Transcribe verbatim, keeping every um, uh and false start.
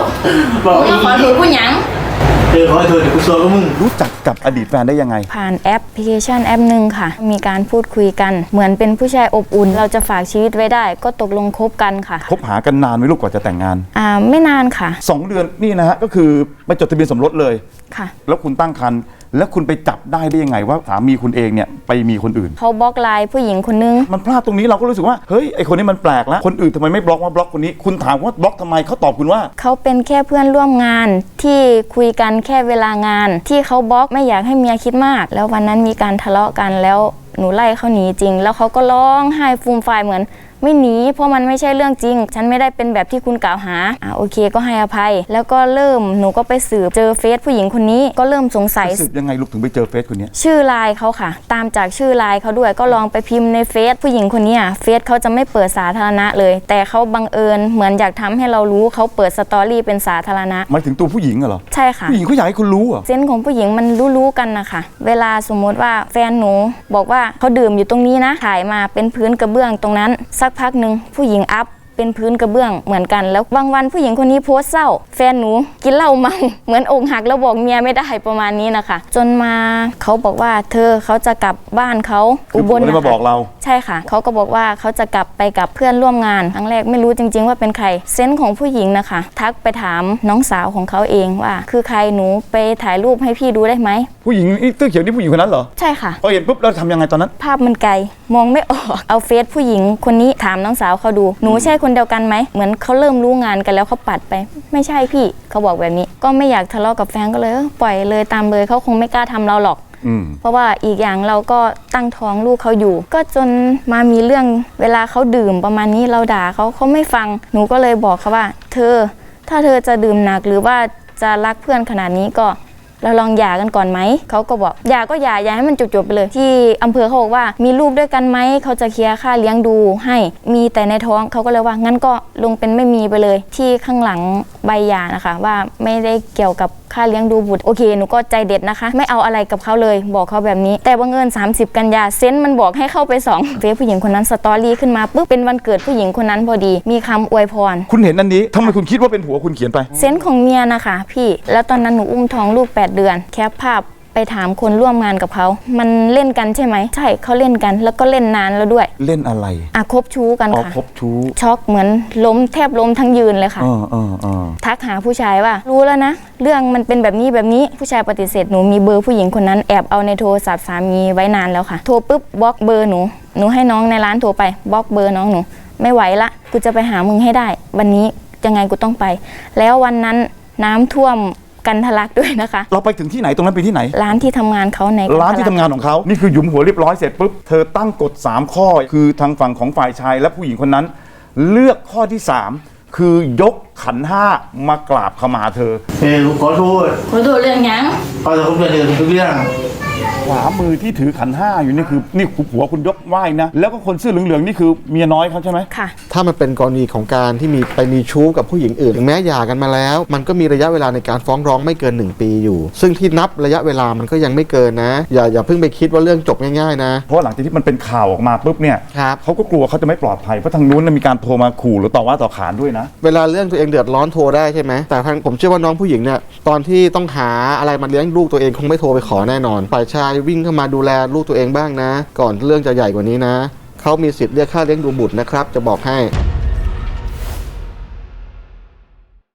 บอกมึงขอโทษกูหยังเจอขอโทษเดี๋ยวกูซวยกับมึงรู้จักกับอดีตแฟนได้ยังไงผ่านแอปพลิเคชันแอปหนึ่งค่ะมีการพูดคุยกันเหมือนเป็นผู้ชายอบอุ่นเราจะฝากชีวิตไว้ได้ก็ตกลงคบกันค่ะคบหากันนานไหมลูกกว่าจะแต่งงานอ่าไม่นานค่ะสองเดือนนี่นะฮะก็คือไปจดทะเบียนสมรสเลยค่ะแล้วคุณตั้งครรภ์แล้วคุณไปจับได้ได้ยังไงว่าสามีคุณเองเนี่ยไปมีคนอื่นเขาบล็อกไลน์ผู้หญิงคนนึงมันพลาดตรงนี้เราก็รู้สึกว่าเฮ้ยไอคนนี้มันแปลกแล้วคนอื่นทำไมไม่บล็อกว่าบล็อกคนนี้คุณถามว่าบล็อกทำไมเขาตอบคุณว่าเขาเป็นแค่เพื่อนร่วมงานที่คุยกันแค่เวลางานที่เขาบล็อกไม่อยากให้เมียคิดมากแล้ววันนั้นมีการทะเลาะกันแล้วหนูไล่เขาหนีจริงแล้วเขาก็ร้องไห้ฟูมฟายเหมือนไม่หนีเพราะมันไม่ใช่เรื่องจริงฉันไม่ได้เป็นแบบที่คุณกล่าวหาอ่าโอเคก็ให้อภัยแล้วก็เริ่มหนูก็ไปสืบเจอเฟซผู้หญิงคนนี้ก็เริ่มสงสัยสืบยังไงลูกถึงไปเจอเฟซคนนี้ชื่อไลน์เขาค่ะตามจากชื่อไลน์เขาด้วยก็ลองไปพิมพ์ในเฟซผู้หญิงคนนี้เฟซเขาจะไม่เปิดสาธารณะเลยแต่เขาบังเอิญเหมือนอยากทำให้เรารู้เขาเปิดสตอรี่เป็นสาธารณะหมายถึงตัวผู้หญิงเหรอใช่ค่ะผู้หญิงเขาอยากให้คุณรู้เหรอเซนส์ของผู้หญิงมันรู้ๆกันนะคะเวลาสมมติว่าแฟนหนูบอกว่าเขาดื่มอยู่ตรงนี้นะถ่ายมาเป็นพื้นกระเบื้องตรงนั้นสักพักหนึ่งผู้หญิงอัพเป็นพื้นกระเบื้องเหมือนกันแล้วบางวันผู้หญิงคนนี้โพสต์เศร้าแฟนหนูกินเหล้าเมาเหมือนอกหักแล้วบอกเมียไม่ได้ประมาณนี้นะคะจนมาเขาบอกว่าเธอเขาจะกลับบ้านเขาอุบลนะคะมาบอกเราใช่ค่ะเขาก็บอกว่าเขาจะกลับไปกับเพื่อนร่วมงานครั้งแรกไม่รู้จริงๆว่าเป็นใครเซนส์ของผู้หญิงนะคะทักไปถามน้องสาวของเขาเองว่าคือใครหนูไปถ่ายรูปให้พี่ดูได้ไหมผู้หญิงเสื้อเขียวนี่ผู้หญิงคนนั้นเหรอใช่ค่ะพอเห็นปุ๊บเราทำยังไงตอนนั้นภาพมันไกลมองไม่ออกเอาเฟซผู้หญิงคนนี้ถามน้องสาวเขาดูหนูใช่คนเดียวกันไหมเหมือนเขาเริ่มรู้งานกันแล้วเขาปัดไปไม่ใช่พี่เขาบอกแบบนี้ก็ไม่อยากทะเลาะกับแฟนก็เลยปล่อยเลยตามเลยเขาคงไม่กล้าทำเราหรอกเพราะว่าอีกอย่างเราก็ตั้งท้องลูกเขาอยู่ก็จนมามีเรื่องเวลาเขาดื่มประมาณนี้เราด่าเขาเขาไม่ฟังหนูก็เลยบอกเขาว่าเธอถ้าเธอจะดื่มหนักหรือว่าจะรักเพื่อนขนาดนี้ก็เราลองหย่ากันก่อนไหมเขาก็บอกหย่าก็หย่าอย่าให้มันจบๆไปเลยที่อำเภอเขาบอกว่ามีลูกด้วยกันไหมเขาจะเคลียร์ค่าเลี้ยงดูให้มีแต่ในท้องเขาก็เลยว่างั้นก็ลงเป็นไม่มีไปเลยที่ข้างหลังใบหย่านะคะว่าไม่ได้เกี่ยวกับค่าเลี้ยงดูบุตรโอเคหนูก็ใจเด็ดนะคะไม่เอาอะไรกับเขาเลยบอกเขาแบบนี้แต่บังเอิญสามสิบกันยาเซนต์มันบอกให้เข้าไปสองเฟซผู้หญิงคนนั้นสตอรี่ขึ้นมาปุ๊บเป็นวันเกิดผู้หญิงคนนั้นพอดีมีคำอวยพรคุณเห็นอันนี้ทำไมคุณคิดว่าเป็นผัวคุณเขียนไปเซนต์ของเมียนะคะพี่แล้วตอนนั้นหนูอุ้มท้องลูกแปดเดือนแคปภาพไปถามคนร่วมงานกับเขามันเล่นกันใช่ไหมใช่เขาเล่นกันแล้วก็เล่นนานแล้วด้วยเล่นอะไรอ่ะคบชู้กันค่ะคบชู้ช็อกเหมือนล้มแทบล้มทั้งยืนเลยค่ะเออเออเออทักหาผู้ชายว่ารู้แล้วนะเรื่องมันเป็นแบบนี้แบบนี้ผู้ชายปฏิเสธหนูมีเบอร์ผู้หญิงคนนั้นแอบเอาในโทรศัพท์สามีไว้นานแล้วค่ะโทรปุ๊บบล็อกเบอร์หนูหนูให้น้องในร้านโทรไปบล็อกเบอร์น้องหนูไม่ไหวละกูจะไปหามึงให้ได้วันนี้ยังไงกูต้องไปแล้ววันนั้นน้ำท่วมกันทะลักด้วยนะคะเราไปถึงที่ไหนตรงนั้นไปที่ไหนร้านที่ทำงานเขาในร้านที่ทำงานของเขานี่คือหยุมหัวเรียบร้อยเสร็จปุ๊บเธอตั้งกฎสามข้อคือทางฝั่งของฝ่ายชายและผู้หญิงคนนั้นเลือกข้อที่สามคือยกขันห้ามากราบขมาเธอเฮ้ยขอโทษขอโทษเรื่องยังขอโทษเรื่องทุกเรื่องขวามือที่ถือขันห้าอยู่นี่คือนี่ผัวคุณยกไหว้นะแล้วก็คนเสื้อเหลืองๆนี่คือเมียน้อยเขาใช่ไหมค่ะถ้ามันเป็นกรณีของการที่มีไปมีชู้กับผู้หญิงอื่นถึงแม้หย่ากันมาแล้วมันก็มีระยะเวลาในการฟ้องร้องไม่เกินหนึ่งปีอยู่ซึ่งที่นับระยะเวลามันก็ยังไม่เกินนะอย่าอย่าเพิ่งไปคิดว่าเรื่องจบง่ายๆนะเพราะหลังจากที่มันเป็นข่าวออกมาปุ๊บเนี่ยครับเขาก็กลัวเขาจะไม่ปลอดภัยเพราะทางนู้นมีการโทรมาขู่หรือต่อว่าต่อขานด้วยนะเวลาเรื่องตัวเองเดือดร้อนโทรได้ใช่ไหมแต่ทางผมเชื่อว่าน้องผู้หญิงเนี่ยตอนที่ต้องหาอะไรมาเลี้ยงลูกตัวเองคงไม่โทรไปขอแน่นอนฝ่ายชายวิ่งเข้ามาดูแลลูกตัวเองบ้างนะก่อนเรื่องจะใหญ่กว่านี้นะเขามีสิทธิ์เรียกค่าเลี้ยงดูบุตรนะครับจะบอกให้